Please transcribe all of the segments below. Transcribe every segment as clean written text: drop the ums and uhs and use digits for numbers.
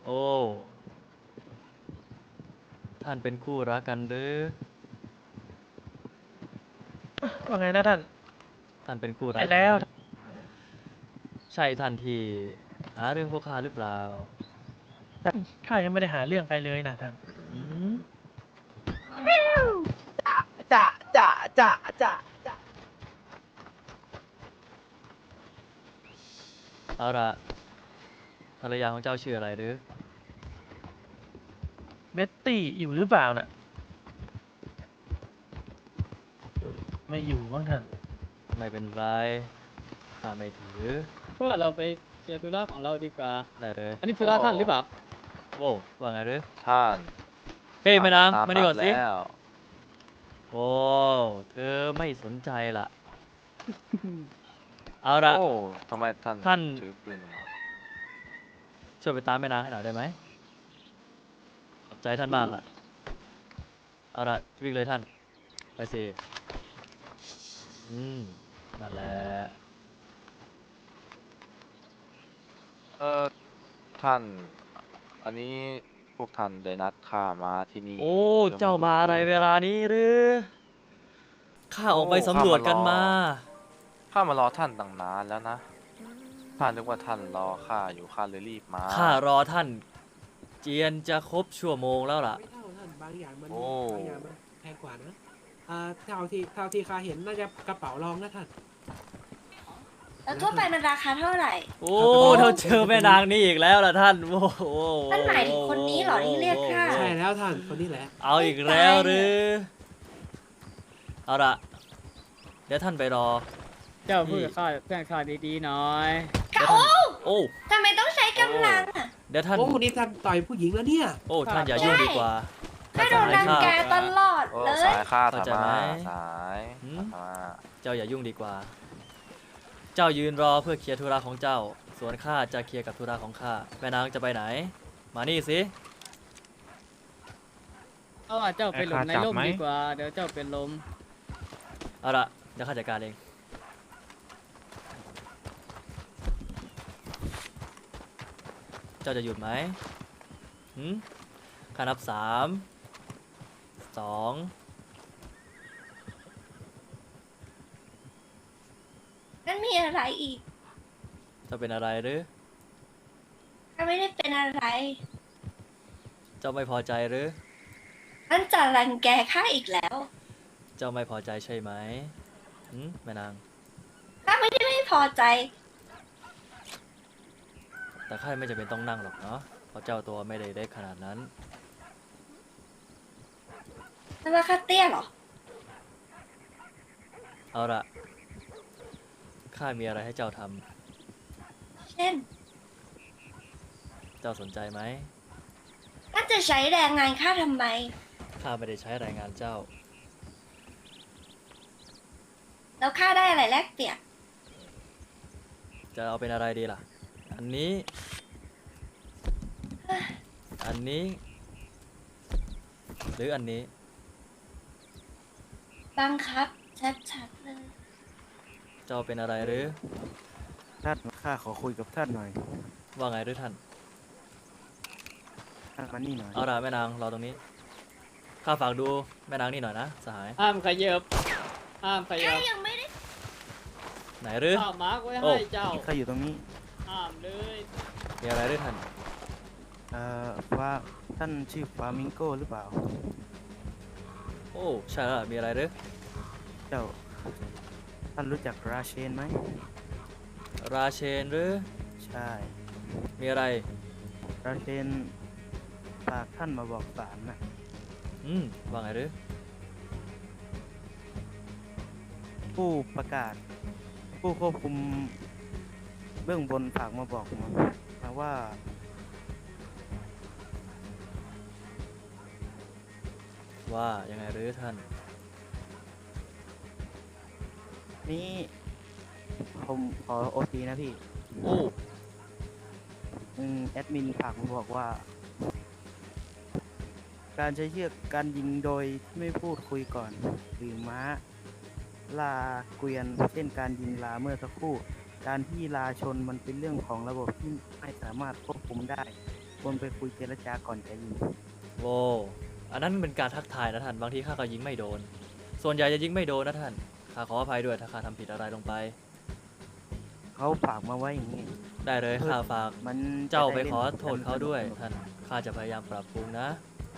โอ้ท่านเป็นคู่รักกันหรือว่าไงนะท่านท่านเป็นคู่รัใช่กกันแล้วหรือใช่ท่านที่หาเรื่องพวกข้าหรือเปล่าท่านข้ายังไม่ได้หาเรื่องใครเลยนะท่านอืมจ่าจ่าจ่าจ่าจ่าเอาละภรรยาของเจ้าชื่ออะไรหรือเบ็ตตี้อยู่หรือเปล่าน่ะไม่อยู่บ้างท่านไม่เป็นไรข้าไม่ถือเพราะว่าเราไปเคลียร์ธุระของเราดีกว่าได้เลยอันนี้ธุระท่านหรือเปล่าโว้ว่าไงหรือท่านเฮ้ยแม่นางตามมานี่นัดก่อนสิแล้วโอ้เธอไม่สนใจล่ะเอาละโอ้ทำไมท่านท่านถือปืนมาช่วยไปตามแม่นางให้หน่อยได้ไหมขอบใจท่านมากอ่ะเอาละวิ่งเลยท่านไปสินั่นแหละเออท่านอันนี้พวกท่านได้นัดข้ามาที่นี่โอ้เพื่อเจ้ามาอะไรพูดคุยเวลานี้หรือข้าอโอ้อกไปสำรวจกันมาข้ามารอท่านตั้งนานแล้วนะข้านึกว่าท่านรอข้าอยู่ข้าเลยรีบมาข้ารอท่านเจียนจะครบชั่วโมงแล้วล่ะไม่เท่าท่านบางอย่างมันโอ้บางอย่างมันแพงกว่านะเท่าที่ข้าเห็นน่าจะกระเป๋ารองนะท่านแล้วทั่วไปมันราคาเท่าไหร่โอ้เราเจอแม่นางนี่อีกแล้วล่ะท่านโอ้โหท่านหมายถึงคนนี้เหรอที่เรียกข้าใช่แล้วท่านคนนี้แหละเอาอีกแล้วหรือเอาละเดี๋ยวท่านไปรอเจ้าพูดกับข้าเพื่อนข้าดีๆหน่อยเดี๋ยวท่านโอ้ทำไมต้องใช้กำลังอ่ะเดี๋ยวท่านโอ้คนนี้ท่านต่อยผู้หญิงแล้วเนี่ยโอ้ท่านอย่ายุ่งดีกว่าข้าโดนรังแกตลอดโอ้เลยสายข้าเข้าธรใจรไหมมาสายหืมธรรมาเจ้าอย่ายุ่งดีกว่า เจ้ายืนรอเพื่อเคลียร์ธุระของเจ้า ส่วนข้าจะเคลียร์กับธุระของข้าแม่นางจะไปไหน มานี่สิเอาว่าเจ้าไปหลบในร่มดีกว่า เดี๋ยวเจ้าเป็นลมเอาละเดี๋ยวข้าจัดการเองเจ้าจะหยุดไหมหืมข้านับ3 2 นั่นมีอะไรอีกเจ้าเป็นอะไรหรือข้าไม่ได้เป็นอะไรเจ้าไม่พอใจหรือนั่นจะรังแกข้าอีกแล้วเจ้าไม่พอใจใช่ไหมหืมแม่นางข้าไม่ได้ไม่พอใจแต่ข้าไม่จำเป็นต้องนั่งหรอกเนาะ เพราะเจ้าตัวไม่ได้เล็กขนาดนั้นนั่นว่าข้าเตี้ยเหรอเอาละข้ามีอะไรให้เจ้าทำเช่นเจ้าสนใจไหมน่าจะใช้แรงงานข้าทำไมข้าไม่ได้ใช้แรงงานเจ้าแล้วข้าได้อะไรแลกเปลี่ยนจะเอาเป็นอะไรดีล่ะ อันนี้ อันนี้ หรืออันนี้บังคับ ชัดๆเลยเจ้าเป็นอะไรหรือท่านข้าขอคุยกับท่านหน่อยว่าไงหรือท่านท่านมานี่หน่อยเอาล่ะแม่นางรอตรงนี้ ข้าฝากดูแม่นางนี่หน่อยนะสหายห้ามขยับ ห้ามขยัข้าบยังไม่ได้ไหนหรือข้ามาร์กไว้โอ้ให้เจ้าข้าอยู่ตรงนี้ห้ามเลยมีอะไรหรือท่านว่าท่านชื่อฟามิงโกหรือเปล่าโอ้ใช่แล้วมีอะไรหรือเจ้า ท่านรู้จักราเชนไหมราเชนหรือใช่มีอะไรราเชนฝากท่านมาบอกศาลนะว่าไงหรือผู้ประกาศ ผู้ควบคุมเบื้องบนฝากมาบอกมาว่าว่ายังไงหรือท่านนี่ผมขอโอทีนะพี่โอ้แอดมินฝากมาบอกว่า การใช้เชือกการยิงโดยที่ไม่พูดคุยก่อน หรือม้าลาเกวียนเช่นการยิงลาเมื่อสักครู่ การที่ลาชนมันเป็นเรื่องของระบบที่ไม่สามารถควบคุมได้ บควรไปคุยเจรจาก่อนจะยิงโว้อันนั้นเป็นการทักทายนะท่านบางทีข้าก็ยิงไม่โดน ส่วนใหญ่จะยิงไม่โดนนะท่านข้าขออภัยด้วยถ้าข้าทำผิดอะไรลงไปเขาฝากมาไว้อย่างนี้ได้เลยข้าฝากมันเจ้าไปจะด้ขอล่นโทษเขาด้วยสนุกๆท่านข้าจะพยายามปรับปรุงนะ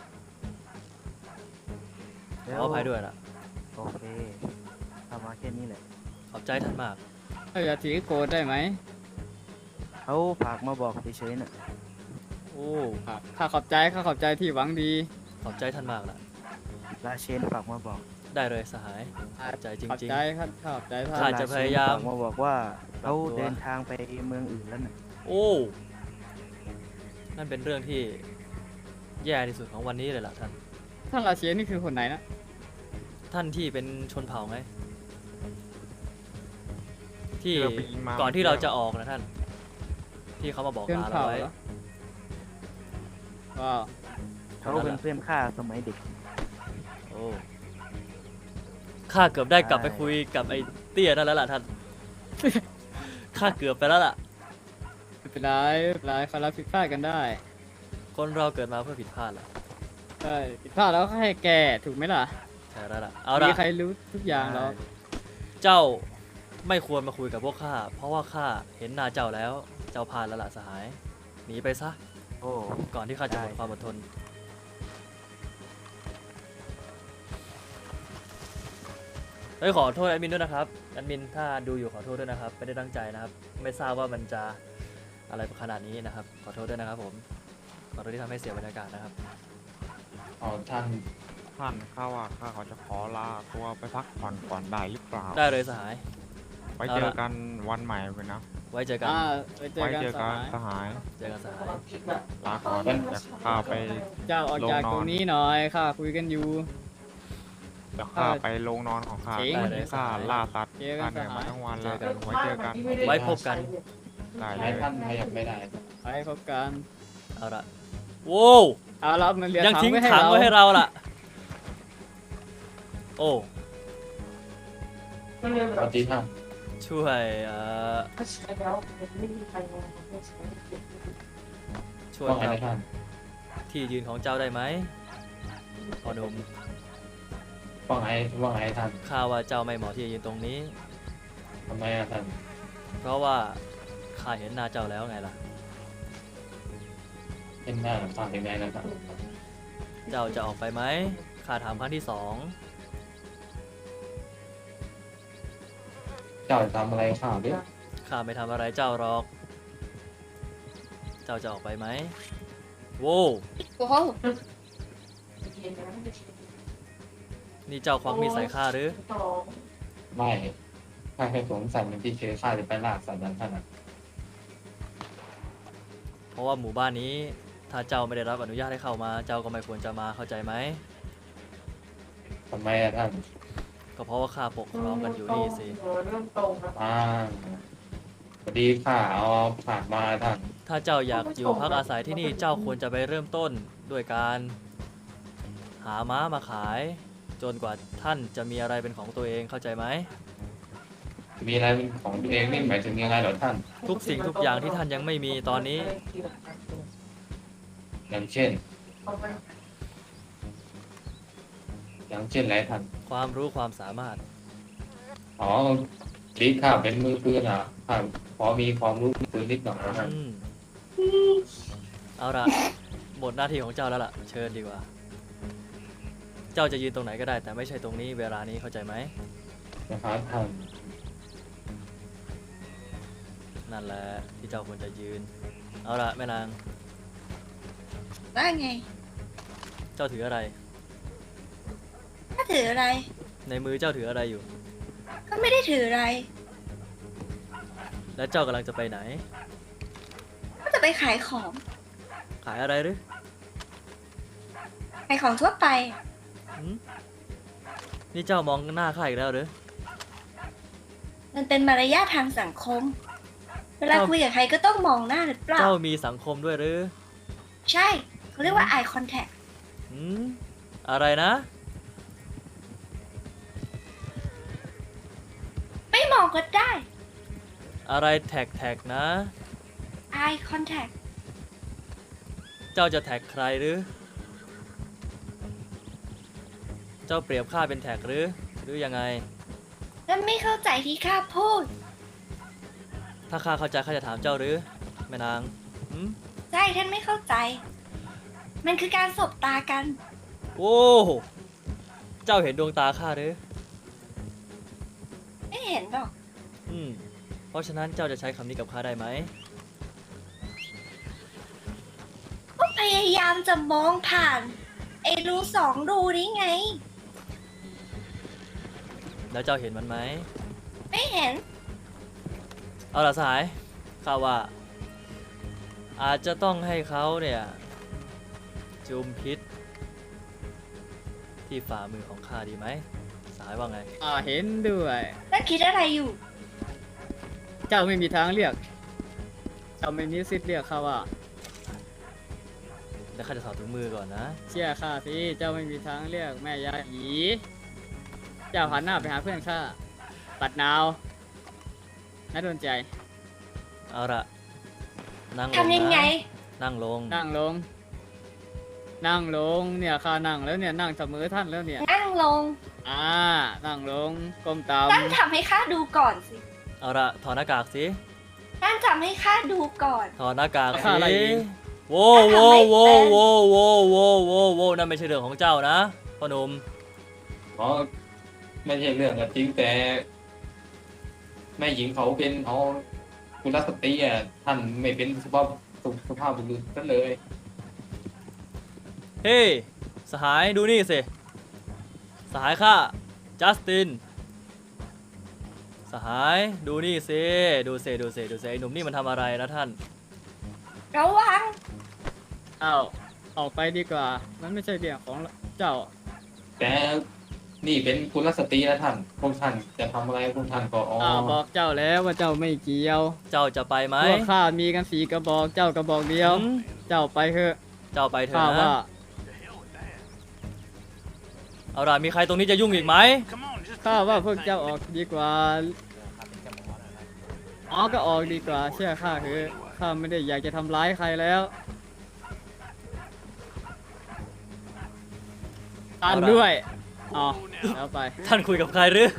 ขแล้ออภัยด้วยล่ะโอเคทำมาแค่นี้แหละขอบใจท่านมากเราจะถือโกรธได้ไหมเขาฝากมาบอกเฉยๆน่ะโอ้ข้าขอบใจที่หวังดีขอบใจท่านมากล่ะราเชนฝากมาบอกได้เลยสหายขอบใจจขอบริงใจครับขอบใจท่าข้านจะพยายามฝากมาบอกว่าเขาปรับตัวเดินทางไปเมืองอื่นแล้วน่ะๆ โอ้นั่นเป็นเรื่องที่แย่ที่สุดของวันนี้เลยล่ะท่านท่านราเชนนี่คือคนไหนนะท่านที่เป็นชนเผ่าไงที่ที่เราไปยิงมาก่อนที่เราจะออกนะท่าน ที่เขามาบอกเพื่อนลาเราเผ่าไว้เหรอว้าวเขาเป็นเพื่อนข้าสมัยเด็กโอ้ข้าเกือบได้กลับไปคุยกับไอ้เตี้ยนั่นแล้วล่ะท่าน ข้าเกือบไปแล้วล่ะไม่เป็นไรเขารับผิดพลาดกันได้คนเราเกิดมาเพื่อผิดพลาดแหละใช่ผิดพลาดแล้วก็ให้แก้ถูกไหมล่ะใช่แล้วล่ะเอามีละใครรู้ทุกอย่างหรอกเจ้าไม่ควรมาคุยกับพวกข้าเพราะว่าข้าเห็นหน้าเจ้าแล้วเจ้าพลาดแล้วล่ะสหายหนีไปซะโอ้ก่อนที่ข้าจะหมดได้ความอดทนเฮ้ยขอโทษแอดมินด้วยนะครับแอดมินถ้าดูอยู่ขอโทษด้วยนะครับไม่ได้ตั้งใจนะครับ ไม่ทราบว่ามันจะอะไรขนาดนี้นะครับ ขอโทษด้วยนะครับผมขอโทษที่ทำให้เสียบรรยากาศนะครับอ๋อท่านข้าว่าข้าเขาจะขอลาตัวไปพักผ่อนก่อนได้หรือเปล่าได้เลยสหายไว้เจอกันวันใหม่กันนะไว้เจอกันไปเจอไว้กันเจอสกันหายสหายเจอกันสหายลาก่อนเดี๋ยวข้าไปเจ้าออกจากตรงนี้หน่อยข้าคุยกันอยู่เดี๋ยวข้าไปโรงนอนของข้าเจ๋งวันนี้ข้าล่าสัตว์เจอกัข้าน เหนื่อยสหายมาทั้งวันแล้วไว้เจอกันไว้พบกันได้เลยไปพบกันเอาละโว้วเอาเรามันเหลือยังทิ้งให้ถังไว้ให้เราล่ะ โอ้สวัสดีท่านช่วยช่วยว่าไงครับนะท่านที่ยืนของเจ้าได้ไหมพอหนุ่มว่าไงท่านข้าว่าเจ้าไม่เหมาะที่จะยืนตรงนี้ทำไมอะท่านเพราะว่าข้าเห็นหน้าเจ้าแล้วไงล่ะเป็นหน้าท่านเป็นไงนะท่านเจ้าจะออกไปไหมข้าถามครั้งที่สองเจ้าจะทำอะไรข้าดิข้าไม่ทำอะไรเจ้าหรอก เจ้าจะออกไปไหมโว้วโอ้โหนี่เจ้าควักมีดใส่ข้าหรือไม่ข้าแค่สงสัยมันที่เชื้อข้าจะไปล่าสัตว์นั้นท่านอะเพราะว่าหมู่บ้านนี้ถ้าเจ้าไม่ได้รับอนุญาตให้เข้ามา เจ้าก็ไม่ควรจะมาเข้าใจไหมทำไมอะท่านก็เพราะว่าข้าปกครองกันอยู่นี่สิพอดีข้าเอาผ่านมาท่านถ้าเจ้าอยากอยู่พักอาศัยที่นี่เจ้าควรจะไปเริ่มต้นด้วยการหาม้ามาขาย จนกว่าท่านจะมีอะไรเป็นของตัวเองเข้าใจไหมมีอะไรเป็นของตัวเองนี่หมายถึงยังไงเหรอท่านทุกสิ่งทุกอย่างที่ท่านยังไม่มีตอนนี้อย่างเช่นอะไรท่านความรู้ความสามารถอ๋อดีข้าเป็นมือปืนอ่ะข้าพอมีความรู้ปืนนิดหน่อยนะท่านเอาละหมดหน้าที่ของเจ้าแล้วล่ะ เชิญดีกว่า เจ้าจะยืนตรงไหนก็ได้ แต่ไม่ใช่ตรงนี้เวลานี้เข้าใจไหมนะครับท่านนั่นแหละที่เจ้าควรจะยืน เอาละแม่นางว่าไงเจ้าถืออะไรถ้าถืออะไรในมือเจ้าถืออะไรอยู่ก็ไม่ได้ถืออะไรและเจ้ากำลังจะไปไหนก็จะไปขายของขายอะไรหรือขายของทั่วไปหืมนี่เจ้ามองหน้าข้าอีกแล้วหรือมันเป็นมารยาททางสังคม เวลาเจ้าคุยกับใครก็ต้องมองหน้าหรือเปล่าเจ้ามีสังคมด้วยหรือใช่เขาเรียกว่า eye contact หืมอะไรนะไม่มองก็ได้อะไรแท็กนะ eye contact เจ้าจะแท็กใครหรือ เจ้าเปรียบข้าเป็นแท็กหรือยังไงท่านไม่เข้าใจที่ข้าพูดถ้าข้าเข้าใจข้าจะถามเจ้าหรือแม่นางหืมใช่ท่านไม่เข้าใจ มันคือการสบตากันโอ้เจ้าเห็นดวงตาข้าหรือไม่เห็นหรอกเพราะฉะนั้นเจ้าจะใช้คำนี้กับข้าได้ไหมก็พยายามจะมองผ่าน ไอ้รูสองรูนี้ไงแล้วเจ้าเห็นมันไหมไม่เห็นเอาล่ะสหายข้าว่า อาจจะต้องให้เขาเนี่ยจุมพิษที่ฝ่ามือของข้าดีไหมสหายว่าไงเห็นด้วยท่านคิดอะไรอยู่เจ้าไม่มีทางเลือก เจ้าไม่มีสิทธิ์เลือกเขาว่าแล้วข้าจะถอดถุงมือก่อนนะเชื่อข้าสิ เจ้าไม่มีทางเลือกแม่ยาหยีเจ้าหันหน้าไปหาเพื่อนข้า ปัดนาวน่าโดนใจเอาละนั่งลงทำยังไงนะนั่งลงนั่งลง นั่งลง เนี่ยข้านั่งแล้วเนี่ย นั่งเสมอท่านแล้วเนี่ยนั่งลงนั่งลง ก้มตามท่านทำให้ข้าดูก่อนสิเอาละถอดหน้ากากสิท่านทำให้ข้าดูก่อนถอดหน้ากากข้าสิอะไรเองโว้โว้โว้โว้โว้โว้โว้โว้นั่นไม่ใช่เรื่องของเจ้านะพ่อหนุ่มเพราะไม่ใช่เรื่องก็จริงแต่ แม่หญิงเขาเป็นเอาคุณรัสตรีอ่ะท่านไม่เป็นสุภาพบุรุษนั่นเลยเฮ้สหายดูนี่สิสหายข้าจัสตินสหายดูนี่สิดูสิไอ้หนุ่มนี่มันทำอะไรนะท่านระวังออกไปดีกว่า มันไม่ใช่เรื่องของเจ้าแต่นี่เป็นคุณรัสตรีนะท่านพวกท่านจะทำอะไรพวกท่านก็บอกเจ้าแล้วว่าเจ้าไม่เกี่ยวเจ้าจะไปไหมพวกข้ามีกัน4 กระบอก เจ้ากระบอกเดียวหืมเจ้าไปเถอะเจ้าไปเถข้าอะว่านะเอาล่ะมีใครตรงนี้จะยุ่งอีกไหมข้าว่าพวกเจ้าออกดีกว่าก็ออกดีกว่า เชื่อข้าเถอะข้าไม่ได้อยากจะทำร้ายใครแล้วตันด้วยแล้วไปท่านคุยกับใครหรือ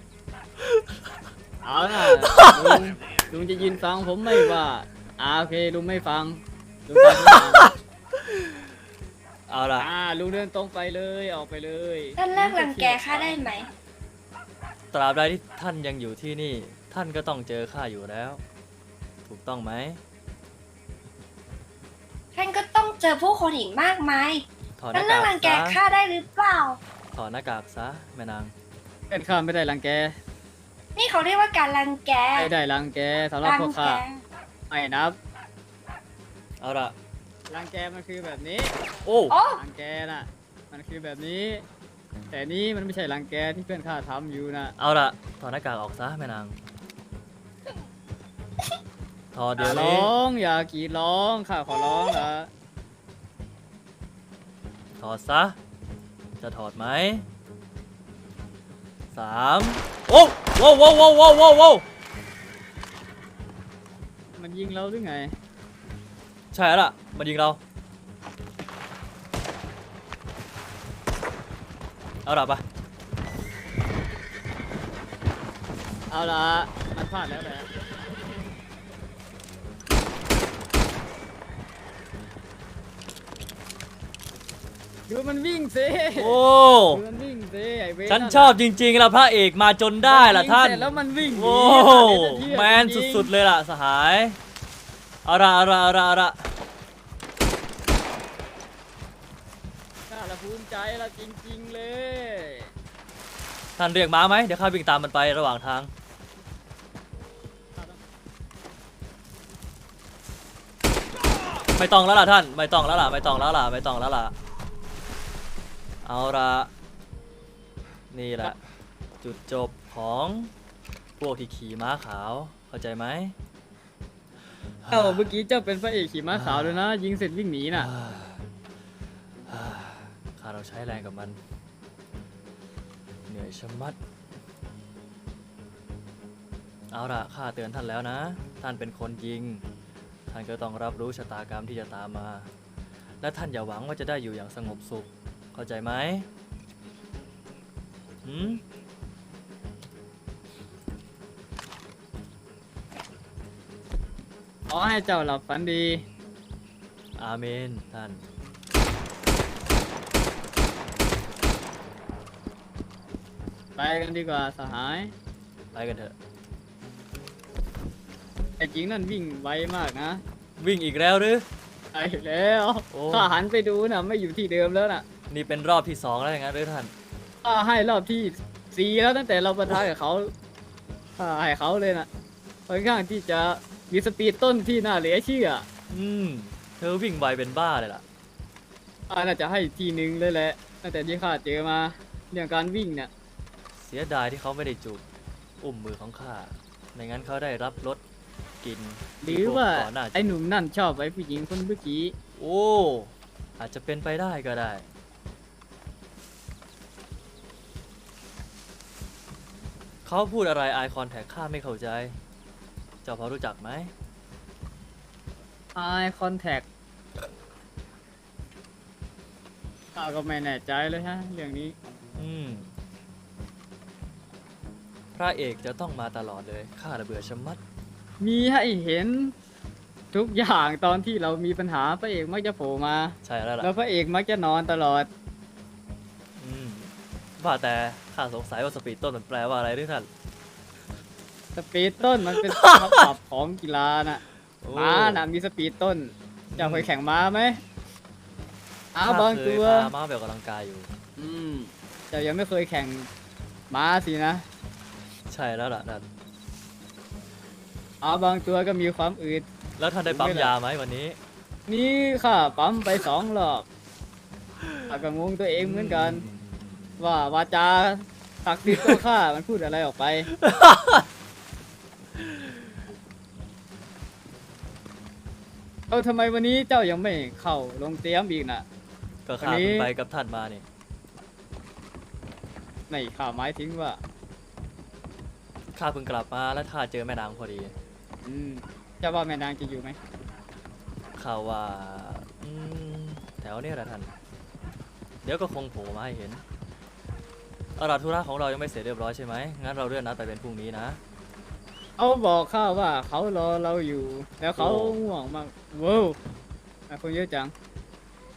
เอาล่ะลุงจะยืนฟังผมไม่ว่าโอเคลุงไม่ฟังลุงฟังผมก่อนเอาล่ะลุงเดินตรงไปเลยออกไปเลยท่านเลิกรังแกข้าได้ไหมตราบใดที่ท่านยังอยู่ที่นี่ ท่านก็ต้องเจอข้าอยู่แล้ว ถูกต้องไหมท่านก็ต้องเจอผู้คนอีกมากมายถอดหท่านน้าเลิกกากรังแกซะข้าได้หรือเปล่าถอดหน้ากากซะแม่นางเป็นข้าไม่ได้รังแกนี่เขาเรียกว่าการรังแกไม่ได้รังแกสำหรับรัพวกแกข้าไม่นับเอาล่ะรังแกมันคือแบบนี้โอ้โอ้รังแกน่ะมันคือแบบนี้ แต่นี้มันไม่ใช่รังแกที่เพื่อนข้าทำอยู่นะเอาล่ะถอดหน้ากากออกซะแม่นางถอดอเดี๋ยย่าว ร้นี้องอย่ากรีดร้องข้าขอร้องละถอดซะจะถอดไหม3โอ้โว้วโว้วโว้วโว้วโว้วโว้วมันยิงเราหรือไงใช่แล้วล่ะมันยิงเราเอาล่ะปะเอาละมันพลาดแล้วแหละดูมันวิ่งสิโอ้ดูมันวิ่งสิไอ้เวรฉันชอบจริงๆแล้วพระเอกมาจนได้ล่ะท่านมัยิงเสร็จแล้วมันวิ่งหนีโอ้เดี๋ยวจะเชื่อแมนจริงๆสุดๆเลยล่ะสหายเอาละข้าละภูมิใจละจริงๆเลยท่านเรียกม้าไหมเดี๋ยวข้าวิ่งตามมันไประหว่างทางไม่ต้องแล้วล่ะท่านไม่ต้องแล้วล่ะเอาละนี่แหละจุดจบของพวกที่ขี่ม้าขาวเข้าใจไหมเมื่อกี้เจ้าเป็นพระเอกขี่ม้าขาวเลยนะ ยิงเสร็จวิ่งหนีน่ะข้าเราใช้แรงกับมันเหนื่อยชะมัดเอาล่ะข้าเตือนท่านแล้วนะท่านเป็นคนยิงท่านก็ต้องรับรู้ชะตากรรมที่จะตามมาและท่านอย่าหวังว่าจะได้อยู่อย่างสงบสุข เข้าใจไหมหืมขอให้เจ้าหลับฝันดีอาเมนท่านไปกันดีกว่าสหายไปกันเถอะไอ้หญิงนั่นวิ่งไวมากนะวิ่งอีกแล้วหรือไปแล้วโอ้ข้าหันไปดูนะไม่อยู่ที่เดิมแล้วน่ะนี่เป็นรอบที่2แล้วอย่างนั้นหรือท่านข้าให้รอบที่ 4แล้วตั้งแต่เราปะทะกับเขาข้าให้เขาเลยนะค่อนข้างที่จะมีสปีดต้นที่น่าเหลือเชื่อเธอวิ่งไวเป็นบ้าเลยล่ะข้าน่าจะให้ทีหนึ่งเลยแหละตั้งแต่ที่ข้าเจอมาเรื่องการวิ่งเนี่ยเสียดายที่เขาไม่ได้จูบอุ้มมือของข้าไม่งั้นเขาได้รับรสกลินหรือว่าก่อนหน้าไอ้หนุ่มนั่นชอบไอ้ผู้หญิงคนเมื่อกี้โอ้อาจจะเป็นไปได้ก็ได้ เขาพูดอะไรไอคอนแทคข้าไม่เข้าใจ เจ้าพอรู้จักไหม Eye contact ข้าก็ไม่แน่ใจเลยฮะเรื่องนี้พระเอกจะต้องมาตลอดเลยข้าระเบื่อชะมัดมีให้เห็นทุกอย่างตอนที่เรามีปัญหาพระเอกมักจะโผล่มาใช่แล้วล่ะแล้วพระเอกมักจะนอนตลอดว่าแต่ข้าสงสัยว่าสปีดต้นมันแปลว่าอะไรด้วยท่านสปีดต้นมันเป็น คำศัพท์ของกีฬาน่ะโอ้ม้าน่ะมีสปีดต้นเจะเคยแข่งม้าไหมบางตัวข้เคยพาม้าไปออกกำลังกายอยู่เจะยังไม่เคยแข่งม้าสินะใช่แล้วล่ะนั่นบางตัวก็มีความอืดแล้วท่านได้ปั๊มยาไหมวันนี้นี่ข้าปั๊มไป2 รอบข้าก็งงตัวเองเหมือนกัน ว่าวาจาศักดิ์สิทธิ์ของข้ามันพูดอะไรออกไป ทำไมวันนี้เจ้ายังไม่เข้าลงเตรียมอีกน่ะก็วันข้านี้เพิ่งไปกับท่านมานี่ไม่ข้าหมายถึงว่าข้าเพิ่งกลับมาแล้วข้าเจอแม่นางพอดีเจ้าว่าแม่นางจะอยู่ไหมข่าวว่าแถวนี้แหละท่าน เดี๋ยวก็คงโผล่มาให้เห็นเอาล่ะธุระของเรายังไม่เสร็จเรียบร้อยใช่ไหมงั้นเราเลื่อนนัดไปเป็นพรุ่งนี้นะเขาบอกข้าว่าเขารอเราอยู่ แล้วเขาโอ้ห่วงมากว้าวคนเยอะจัง